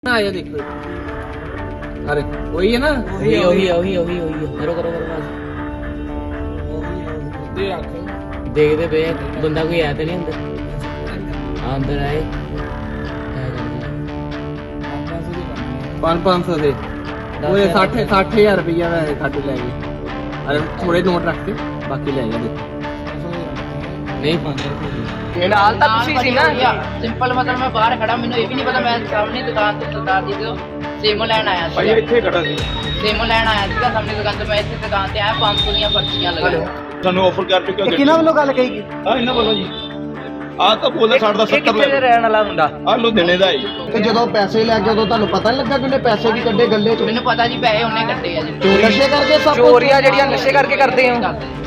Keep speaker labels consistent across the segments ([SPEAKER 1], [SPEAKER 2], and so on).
[SPEAKER 1] आया देखो, अरे वही है ना,
[SPEAKER 2] वही है। करो बस देखते पे बंदा कोई आया तो नहीं अंदर। हाँ अंदर आए
[SPEAKER 1] 500 से वो 60,000 रुपया वैसे खाते ले गए। अरे थोड़े नोट रख के बाकी ले गए। नहीं
[SPEAKER 2] ਨਾਲ ਤਾਂ ਤੁਸੀਂ ਸੀ ਨਾ।
[SPEAKER 3] ਸਿੰਪਲ ਮਤਲਬ ਮੈਂ ਬਾਹਰ ਖੜਾ, ਮੈਨੂੰ ਇਹ ਵੀ ਨਹੀਂ ਪਤਾ, ਮੈਂ ਸਾਹਮਣੇ ਦੁਕਾਨ ਤੋਂ ਸਰਦਾਰ ਜੀ ਤੋਂ ਸੇਮੋ ਲੈਣ ਆਇਆ ਸੀ।
[SPEAKER 4] ਭਾਈ ਇੱਥੇ ਖੜਾ ਸੀ,
[SPEAKER 3] ਸੇਮੋ ਲੈਣ ਆਇਆ ਸੀਗਾ ਸਾਹਮਣੇ ਦੁਕਾਨ ਤੋਂ। ਮੈਂ ਇੱਥੇ ਦੁਕਾਨ ਤੇ ਆਇਆ, 500 ਦੀਆਂ ਪਰਚੀਆਂ ਲਗਾਈਆਂ।
[SPEAKER 4] ਸਾਨੂੰ ਆਫਰ ਕਰ ਚੁੱਕਿਆ ਗੱਡੀ।
[SPEAKER 1] ਕਿਹਨਾਂ ਵੱਲੋਂ ਗੱਲ ਕਹੀ?
[SPEAKER 4] ਹਾਂ ਇਹਨਾਂ ਵੱਲੋਂ ਜੀ। ਆਹ ਤਾਂ ਬੋਲਦਾ ਸਾਡਾ ਦਾ 70
[SPEAKER 2] ਕਿੱਥੇ ਦੇ ਰਹਿਣ ਵਾਲਾ ਮੁੰਡਾ?
[SPEAKER 4] ਆਹ ਲੁਧਿਆਣੇ ਦਾ ਹੈ।
[SPEAKER 1] ਤੇ ਜਦੋਂ ਪੈਸੇ ਲੈ ਕੇ ਉਦੋਂ ਤੁਹਾਨੂੰ ਪਤਾ ਨਹੀਂ ਲੱਗਾ ਕਿ ਉਹਨੇ ਪੈਸੇ ਵੀ ਕੱਢੇ ਗੱਲੇ ਚੋਂ?
[SPEAKER 3] ਮੈਨੂੰ ਪਤਾ ਜੀ ਪੈਸੇ ਉਹਨੇ ਕੱਢੇ ਆ ਜੀ।
[SPEAKER 1] ਨਸ਼ੇ ਕਰਕੇ ਸਭ
[SPEAKER 2] ਚੋਰੀਆਂ ਜਿਹੜੀਆਂ ਨਸ਼ੇ ਕਰਕੇ ਕਰਦੇ ਹੋ।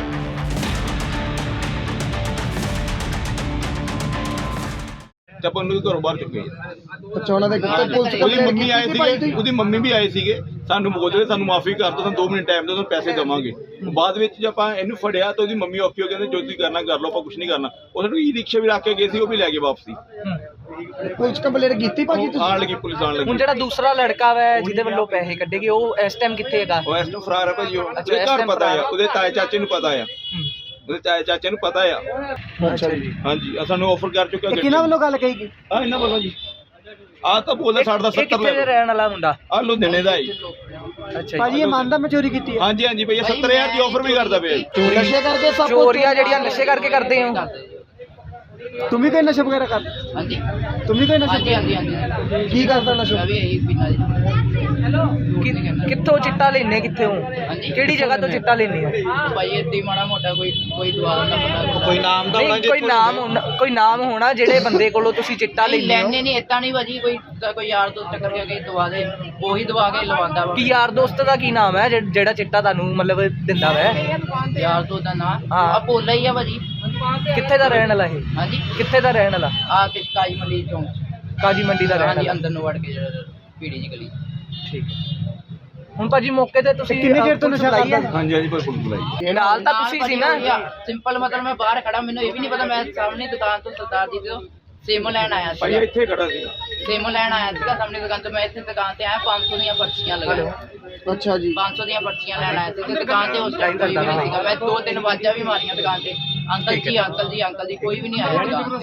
[SPEAKER 4] ਤੇ ਆਪਾਂ ਨੂੰ ਘਰੋਂ ਬਾਹਰ ਚੁੱਕੇ
[SPEAKER 1] ਅੱਛਾ ਉਹਨਾਂ ਦੇ ਪੁਲਿਸ
[SPEAKER 4] ਉਹਦੀ ਮੰਮੀ ਆਏ ਸੀਗੇ, ਉਹਦੀ ਮੰਮੀ ਵੀ ਆਏ ਸੀਗੇ। ਸਾਨੂੰ ਬੋਲਦੇ ਸਾਨੂੰ ਮਾਫੀ ਕਰ ਦਿਓ, ਸਾਨੂੰ 2 ਮਿੰਟ ਟਾਈਮ ਦਿਓ, ਤੁਹਾਨੂੰ ਪੈਸੇ ਦੇਵਾਂਗੇ। ਬਾਅਦ ਵਿੱਚ ਜੇ ਆਪਾਂ ਇਹਨੂੰ ਫੜਿਆ ਤਾਂ ਉਹਦੀ ਮੰਮੀ ਔਖੀ ਹੋ ਕਹਿੰਦੇ ਜੋ ਤੁਸੀਂ ਕਰਨਾ ਕਰ ਲਓ, ਆਪਾਂ ਕੁਝ ਨਹੀਂ ਕਰਨਾ। ਉਹ ਸਾਨੂੰ ਈ ਰਿਕਸ਼ਾ ਵੀ ਰੱਖ ਕੇ ਗਏ ਸੀ, ਉਹ ਵੀ ਲੈ ਗਏ ਵਾਪਸੀ।
[SPEAKER 1] ਪੁਲਿਸ ਕੰਪਲੇਂਟ ਕੀਤੀ ਭਾਜੀ ਤੁਸੀਂ?
[SPEAKER 4] ਆਣ ਲੱਗੀ ਪੁਲਿਸ ਆਣ ਲੱਗੀ।
[SPEAKER 2] ਹੁਣ ਜਿਹੜਾ ਦੂਸਰਾ ਲੜਕਾ ਵਾ ਜਿਹਦੇ ਵੱਲੋਂ ਪੈਸੇ ਕੱਢੇਗੇ ਉਹ ਇਸ ਟਾਈਮ ਕਿੱਥੇ ਹੈਗਾ?
[SPEAKER 4] ਉਹ ਇਸ ਨੂੰ ਫਰਾਰ ਹੈ ਭਾਜੀ। ਉਹ
[SPEAKER 2] ਅੱਛਾ, ਇਸ
[SPEAKER 4] ਘਰ
[SPEAKER 2] time
[SPEAKER 4] ਪਤਾ ਆ,
[SPEAKER 2] ਫਰਾਰ।
[SPEAKER 4] ਉਹਦੇ ਤਾਏ ਚਾਚੇ ਨੂੰ ਪਤਾ ਆ, ਉਹਦੇ ਤਾਏ ਚਾਚੇ ਨੂੰ ਪਤਾ ਆ।
[SPEAKER 1] ਅੱਛਾ ਜੀ।
[SPEAKER 4] ਹਾਂਜੀ ਆਹ ਸਾਨੂੰ ਆਫਰ ਕਰ ਚੁੱਕਿਆ ਗੱਡੀ।
[SPEAKER 1] ਕਿਹਨਾਂ ਵੱਲੋਂ ਗੱਲ ਕਹੀ ਗਈ?
[SPEAKER 4] ਆਹ ਇਹਨਾਂ ਵੱਲੋਂ ਜੀ। ਆਹ ਤਾਂ ਬੋਲਦਾ ਸਾਡਾ ਦਾ 70
[SPEAKER 2] ਕਿੱਥੇ ਦੇ ਰਹਿਣ ਵਾਲਾ ਮੁੰਡਾ?
[SPEAKER 4] ਆਹ ਲੁਧਿਆਣੇ ਦਾ ਹੈ।
[SPEAKER 2] ਅੱਛਾ
[SPEAKER 1] ਭਾਜੀ ਇਹ ਮੰਨਦਾ ਮੈਂ ਚੋਰੀ ਕੀਤੀ ਹੈ?
[SPEAKER 4] ਹਾਂਜੀ ਹਾਂਜੀ ਭਈਆ 70,000 ਦੀ ਆਫਰ ਵੀ ਕਰਦਾ ਪਿਆ ਜੀ।
[SPEAKER 1] ਨਸ਼ੇ ਕਰਕੇ ਸਭ
[SPEAKER 2] ਚੋਰੀਆਂ ਜਿਹੜੀਆਂ ਨਸ਼ੇ ਕਰਕੇ ਕਰਦੇ ਹੋ।
[SPEAKER 1] ਤੂੰ ਵੀ ਕੋਈ ਨਸ਼ਾ ਵਗੈਰਾ ਕਰਦਾ?
[SPEAKER 3] ਹਾਂਜੀ
[SPEAKER 1] ਤੂੰ ਵੀ ਕੋਈ ਨਸ਼ਾ?
[SPEAKER 3] ਹਾਂਜੀ
[SPEAKER 1] ਕੀ ਕਰਦਾ ਨਸ਼ਾ?
[SPEAKER 3] ਮੈਂ ਵੀ ਇਹੀ ਪੀਣਾ ਜੀ।
[SPEAKER 2] ਕਿੱਥੋਂ ਚਿੱਟਾ ਲੈਣੇ? ਕਿੱਥੇ ਹੋ? ਕਿਹੜੀ ਜਗ੍ਹਾ ਤੋਂ ਚਿੱਟਾ ਲੈਣੇ ਹੋ?
[SPEAKER 3] ਭਾਈ ਇੱਦਾਂ ਹੀ ਮਾੜਾ ਮੋਟਾ ਕੋਈ ਦਵਾ ਦਾ ਬੰਦਾ
[SPEAKER 4] ਕੋਈ ਨਾਮ ਦਾ
[SPEAKER 2] ਨਹੀਂ ਕੋਈ ਨਾਮ ਹੋਣਾ ਜਿਹੜੇ ਬੰਦੇ ਕੋਲੋਂ ਤੁਸੀਂ ਚਿੱਟਾ ਲੈਣੇ ਹੋ।
[SPEAKER 3] ਲੈਣੇ ਨਹੀਂ ਏਦਾਂ ਨਹੀਂ ਭਾਜੀ, ਕੋਈ ਯਾਰ ਦੋਸਤ ਕਰਕੇ ਕੇ ਦਵਾ ਦੇ, ਉਹੀ ਦਵਾ ਕੇ ਲਵਾਉਂਦਾ ਵਾ।
[SPEAKER 2] ਕੀ ਯਾਰ ਦੋਸਤ ਦਾ ਕੀ ਨਾਮ ਹੈ ਜਿਹੜਾ ਚਿੱਟਾ ਤੁਹਾਨੂੰ ਮਤਲਬ ਦਿੰਦਾ ਵਾ?
[SPEAKER 3] ਯਾਰ ਦੋਸਤ ਦਾ ਨਾਂ
[SPEAKER 2] ਹਾਂ।
[SPEAKER 3] ਆ ਭੋਲਾ ਹੀ ਆ ਭਾਜੀ।
[SPEAKER 2] ਕਿੱਥੇ ਦਾ ਰਹਿਣ ਵਾਲਾ ਇਹ?
[SPEAKER 3] ਹਾਂਜੀ
[SPEAKER 2] ਕਿੱਥੇ ਦਾ ਰਹਿਣ ਵਾਲਾ?
[SPEAKER 3] ਆ ਕਿਸ਼ਕਾਈ ਮੰਡੀ ਚੌਂਕ,
[SPEAKER 2] ਕਾਜੀ ਮੰਡੀ ਦਾ ਰਹਿਣ
[SPEAKER 3] ਹਾਂਜੀ
[SPEAKER 2] ਵਾਲਾ।
[SPEAKER 3] ਅੰਦਰ ਨੂੰ ਵੜ ਕੇ ਜਿਹੜਾ ਪੀੜੀ ਜੀ ਗਲੀ।
[SPEAKER 2] ਠੀਕ ਹੁਣ ਭਾਜੀ ਮੌਕੇ ਤੇ ਤੁਸੀਂ
[SPEAKER 1] ਕਿੰਨੀ ਦੇਰ ਤੋਂ ਨਸ਼ਾ ਕਰਦਾ?
[SPEAKER 4] ਹਾਂਜੀ ਹਾਂਜੀ ਪੁਲਿਸ ਬੁਲਾਈ।
[SPEAKER 2] ਨਾਲ ਤਾਂ ਤੁਸੀਂ ਸੀ ਨਾ।
[SPEAKER 3] ਸਿੰਪਲ ਮਤਲਬ ਮੈਂ ਬਾਹਰ ਖੜਾ, ਮੈਨੂੰ ਇਹ ਵੀ ਨਹੀਂ ਪਤਾ, ਮੈਂ ਸਾਹਮਣੇ ਦੁਕਾਨ ਤੋਂ ਸਰਦਾਰ ਜੀ ਤੋਂ ਸੇਮੋ ਲੈਣ ਆਇਆ
[SPEAKER 4] ਭਾਈ
[SPEAKER 3] ਸੀ।
[SPEAKER 4] ਇੱਥੇ ਖੜਾ ਸੀ।
[SPEAKER 3] ਸੇਮੋ ਲੈਣ ਆਇਆ ਸੀਗਾ ਸਾਹਮਣੇ ਦੁਕਾਨ ਤੋਂ। ਮੈਂ ਇੱਥੇ ਦੁਕਾਨ ਤੇ ਆਇਆ, 500 ਦੀਆਂ ਪਰਚੀਆਂ ਲਗਾਈਆਂ।
[SPEAKER 1] ਅੱਛਾ ਜੀ।
[SPEAKER 3] 500 ਦੀਆਂ ਪਰਚੀਆਂ ਲੈਣ ਆਇਆ ਸੀ ਤੇ ਦੁਕਾਨ ਤੇ ਉਸ ਟਾਈਮ ਕੋਈ ਵੀ ਨਹੀਂ ਸੀਗਾ। ਮੈਂ 2-3 ਵਾਜਾਂ ਵੀ ਮਾਰੀਆਂ ਦੁਕਾਨ ਤੇ, ਅੰਕਲ ਜੀ ਕੋਈ ਵੀ ਨਹੀਂ ਆਇਆ ਦੁਕਾਨ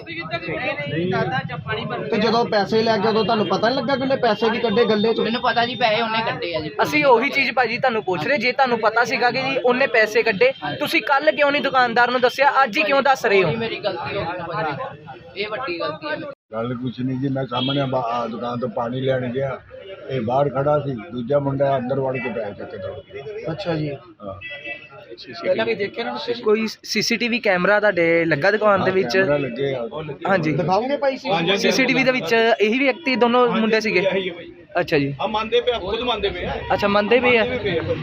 [SPEAKER 3] ਤੇ।
[SPEAKER 1] ਤੇ ਜਦੋਂ ਪੈਸੇ ਲੈ ਕੇ ਉਦੋਂ ਤੁਹਾਨੂੰ ਪਤਾ ਨਹੀਂ ਲੱਗਾ ਕਿ ਉਹਨੇ ਪੈਸੇ ਵੀ ਕੱਢੇ ਗੱਲੇ ਚੋਂ?
[SPEAKER 3] ਮੈਨੂੰ ਪਤਾ ਜੀ ਪੈਸੇ ਉਹਨੇ ਕੱਢੇ ਆ ਜੀ।
[SPEAKER 2] ਅਸੀਂ ਉਹੀ ਚੀਜ਼ ਭਾਜੀ ਤੁਹਾਨੂੰ ਪੁੱਛ ਰਹੇ, ਜੇ ਤੁਹਾਨੂੰ ਪਤਾ ਸੀਗਾ ਕਿ ਜੀ ਉਹਨੇ ਪੈਸੇ ਕੱਢੇ, ਤੁਸੀਂ ਕੱਲ ਕਿਉਂ ਨਹੀਂ ਦੁਕਾਨਦਾਰ ਨੂੰ ਦੱਸਿਆ, ਅੱਜ ਹੀ ਕਿਉਂ ਦੱਸ ਰਹੇ ਹੋ?
[SPEAKER 3] ਇਹ ਮੇਰੀ ਗਲਤੀ ਹੋ ਗਈ ਭਾਜੀ, ਇਹ ਵੱਡੀ ਗਲਤੀ ਹੈ ਮੇਰੀ।
[SPEAKER 5] ਗੱਲ ਕੁਛ ਨਹੀਂ ਜੀ, ਮੈਂ ਸਾਹਮਣੇ ਦੁਕਾਨ ਤੋਂ ਪਾਣੀ ਲੈਣ ਗਿਆ, ਇਹ ਬਾਹਰ ਖੜਾ ਸੀ, ਦੂਜਾ ਮੁੰਡਾ ਅੰਦਰ ਵੜ ਕੇ ਪੈਸੇ ਚੱਕ ਕੇ ਦੌੜ ਗਿਆ।
[SPEAKER 1] ਅੱਛਾ ਜੀ।
[SPEAKER 5] ਹਾਂ
[SPEAKER 1] ਪਹਿਲਾਂ ਵੀ ਦੇਖਿਆ ਨਾ ਤੁਸੀਂ?
[SPEAKER 2] ਕੋਈ ਸੀਸੀਟੀਵੀ ਕੈਮਰਾ ਤੁਹਾਡੇ ਲੱਗਾ ਦੁਕਾਨ ਦੇ ਵਿੱਚ?
[SPEAKER 5] ਕੈਮਰਾ ਲੱਗੇ ਆ।
[SPEAKER 2] ਹਾਂਜੀ
[SPEAKER 1] ਦਿਖਾਓਗੇ ਭਾਈ ਸੀ?
[SPEAKER 2] ਸੀਸੀਟੀਵੀ ਦੇ ਵਿੱਚ ਇਹੀ ਵਿਅਕਤੀ ਦੋਨੋਂ ਮੁੰਡੇ ਸੀਗੇ? ਅੱਛਾ ਜੀ।
[SPEAKER 4] ਆ ਮੰਨਦੇ ਪਏ, ਖੁਦ ਮੰਨਦੇ ਪਏ ਆ।
[SPEAKER 2] ਅੱਛਾ ਮੰਨਦੇ ਵੀ ਆ।